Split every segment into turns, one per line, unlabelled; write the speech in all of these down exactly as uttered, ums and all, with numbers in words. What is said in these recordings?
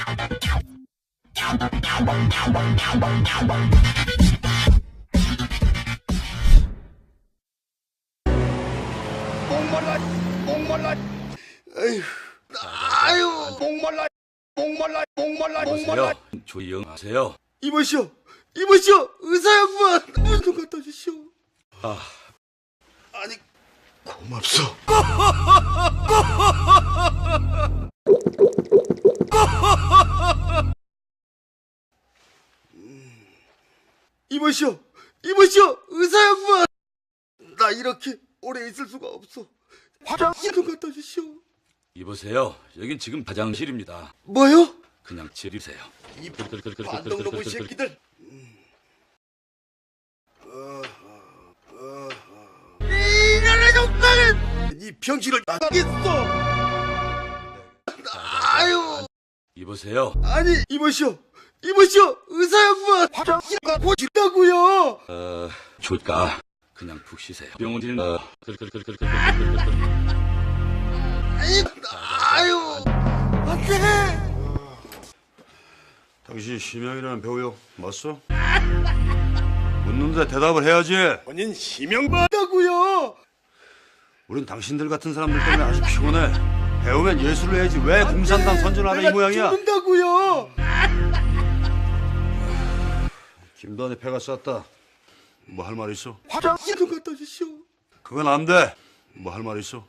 목말라, 목말라, 에휴, 아유, 목말라, 목말라, 목말라, 목말라.
조용하세요.
이보시오, 이보시오, 의사 양반, 문 좀 갖다 주시오.
아,
아니, 고맙소. 이보시오, 이보시오, 의사 양반. 나 이렇게 오래 있을 수가 없어. 화장실 좀 갖다 주시오.
이보세요. 여긴 지금 화장실입니다.
뭐요?
그냥 지리세요.
이 반동놈의 새끼들. 이날의 정당은 이 병신을 나가겠어. 아유.
이보세요.
아니 이보시오, 이보시오, 의사 양반. 화장실 가고 싶다고요.
어, 좋까. 그냥 푹 쉬세요. 병원인 어,
아유, 안돼.
당신 심형이라는 배우요 맞소? 묻는데 대답을 해야지.
본인 심형 받다고요.
우린 당신들 같은 사람들 때문에 아주 피곤해. 배우면 예술을 해야지 왜 공산당 선전하는 이 모양이야.
죽는다고요.
김도환의 패가 쌌다. 뭐 할 말 있어?
화장실 좀 갖다 주시오.
그건 안 돼. 뭐 할 말 있어?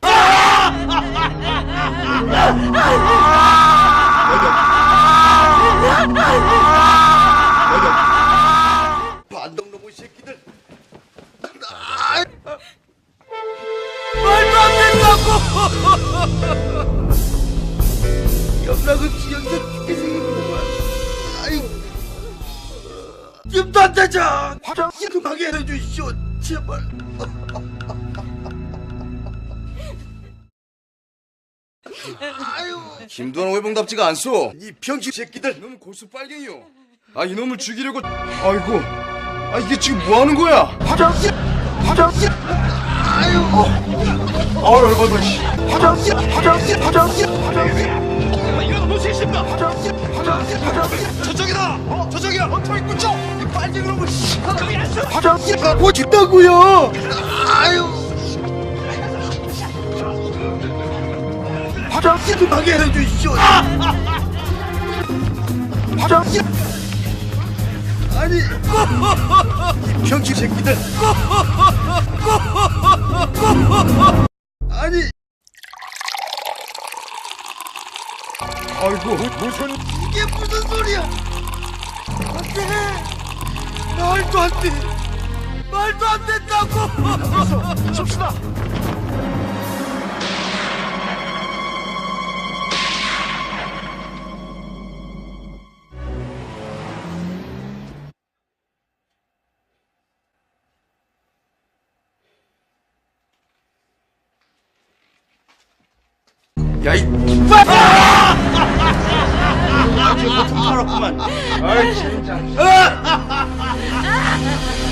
반동놈의 새끼들. 말도 안 된다고. 염락은 지연자 죽게 생겼구만. 아이, 김도 안 되자. 화장실 좀 가게 해주시오, 제발. 아유,
김도환 외봉답지가 않소.
이 병신 새끼들.
이놈은 골수 빨갱이요. 아 이놈을 죽이려고. 아이고. 아 이게 지금 뭐 하는 거야?
화장실, 화장실. 아유,
아유 열받아. 씨.
화장실, 화장실, 화장실, 화장실. 이거 무슨 짓입니까? 화장실, 화장실, 화장실.
저쪽이다. 어 저쪽이야. 어 저기 꽂혀. 이 빨갱이 놈을. 씨. 저기 앉아.
화장실 가고 싶다고요. 아유. 화장실 좀 가게 해주시오. 화장실. 아니, 이 병신 새끼들. 아니.
아이고 무슨
이게 무슨 소리야? 안 돼. 말도 안 돼. 말도 안 된다고.
접시다.
야, 이
아, 지금 버튼 팔았구만. 아이 진짜.